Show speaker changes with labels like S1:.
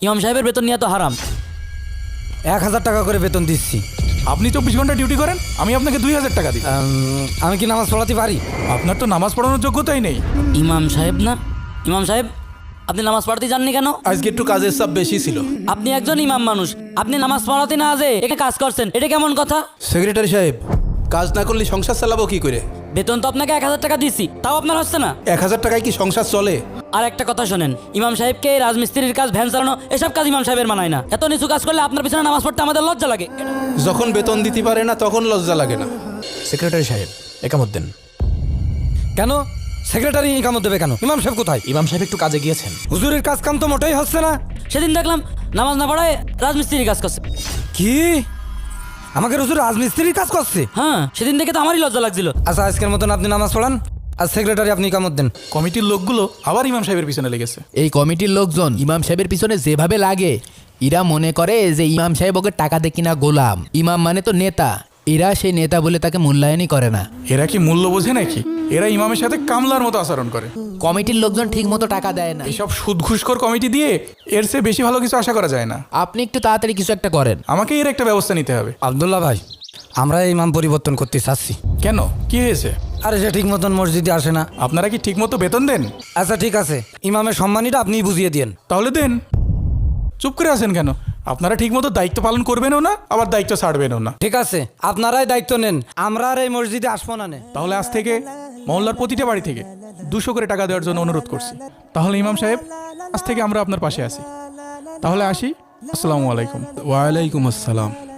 S1: ইমাম সাহেবের বেতন নিয়ে তো হারাম।
S2: 1000 টাকা করে বেতন দিচ্ছি।
S3: আপনি 24 ঘন্টা ডিউটি করেন, আমি আপনাকে 2000 টাকা দিই।
S2: আমি কি নামাজ পড়াতে পারি?
S3: আপনার তো নামাজ পড়ানোর যোগ্যতাই নেই।
S1: ইমাম সাহেব না? ইমাম সাহেব, আপনি নামাজ পড়াতে যাননি কেন?
S4: আজকে একটু কাজের চাপ বেশি ছিল।
S1: আপনি একজন ইমাম মানুষ, আপনি নামাজ পড়াতে না যে এখানে কাজ করছেন, এটা কেমন কথা?
S4: সেক্রেটারি সাহেব, কাজ না করলে সংসার চালাবো কি করে?
S1: বেতন তো আপনাকে 1000 টাকা দিচ্ছি, তাও আপনার হচ্ছে না।
S4: 1000 টাকায় কি সংসার চলে?
S1: আর একটা কথা শোনেন, ইমাম সাহেবকে এই রাজমিস্ত্রির কাজ, ভ্যান চালানো, এসব কাজ ইমাম সাহেবের মানায় না। এত নিচু কাজ করলে আপনার পিছনে নামাজ পড়তে আমাদের লজ্জা লাগে।
S4: যখন বেতন দিতে পারে না তখন লজ্জা লাগে না।
S5: সেক্রেটারি সাহেব, একামত দেন।
S2: কেন সেক্রেটারি ইকামত দেবে কেন? ইমাম সাহেব কোথায়?
S5: ইমাম সাহেব একটু কাজে গিয়েছেন।
S2: হুজুরের কাজ কাম তো মোটেই হচ্ছে না।
S1: সেদিন দেখলাম নামাজ না পড়ায় রাজমিস্ত্রির কাজ করছে।
S2: কি আমাকে হুজুর রাজমিস্ত্রির কাজ করছে?
S1: হ্যাঁ, সেদিন দেখে তো আমারই লজ্জা লাগছিল।
S2: আচ্ছা, আজকের মতন আপনি নামাজ পড়ান, আর সেক্রেটারি আপনি ইকামত দেন।
S3: কমিটির লোকগুলো আবার ইমাম সাহেবের পিছনে লেগেছে।
S6: এই কমিটির লোকজন ইমাম সাহেবের পিছনে যেভাবে লাগে, এরা মনে করে যে ইমাম সাহেব ওকে টাকা দিয়ে কিনা গোলাম। ইমাম মানে তো নেতা, এরা সেই নেতা বলে তাকে মূল্যায়নই করে না।
S3: এরা কি মূল্য বোঝে নাকি? এরা ইমামের সাথে কামলার মতো আচরণ করে।
S6: কমিটির লোকজন ঠিক মতো টাকা দেয় না।
S3: এইসব সুদ ঘুষখোর কমিটি দিয়ে এর চেয়ে বেশি ভালো কিছু আশা করা যায় না।
S6: আপনি একটু তাড়াতাড়ি কিছু একটা করেন।
S3: আমাকে এর একটা ব্যবস্থা নিতে হবে।
S2: আব্দুল্লাহ ভাই, আমরা ইমাম পরিবর্তন করতে চাচ্ছি।
S3: কেন, কি হয়েছে?
S2: আরে সে ঠিক মতন মসজিদে আসে না।
S3: আপনারা কি ঠিক মতো বেতন দেন?
S2: আচ্ছা ঠিক আছে, ইমামের সম্মানীটা আপনিই বুঝিয়ে দিন।
S3: তাহলে দেন। চুপ করে আছেন কেন? আপনারা ঠিক মতো দায়িত্ব পালন করবেনও না, আবার দায়িত্ব ছাড়বেনও না।
S2: ঠিক আছে, আপনারাই দায়িত্ব নেন, আমরা আর এই মসজিদে আসবো না।
S3: তাহলে আজ থেকে মহল্লার প্রতিটা বাড়ি থেকে 200 করে টাকা দেওয়ার জন্য অনুরোধ করছি। তাহলে ইমাম সাহেব, আজ থেকে আমরা আপনার পাশে আছি। তাহলে আসি। আসসালামু আলাইকুম।
S4: ওয়ালাইকুম আসসালাম।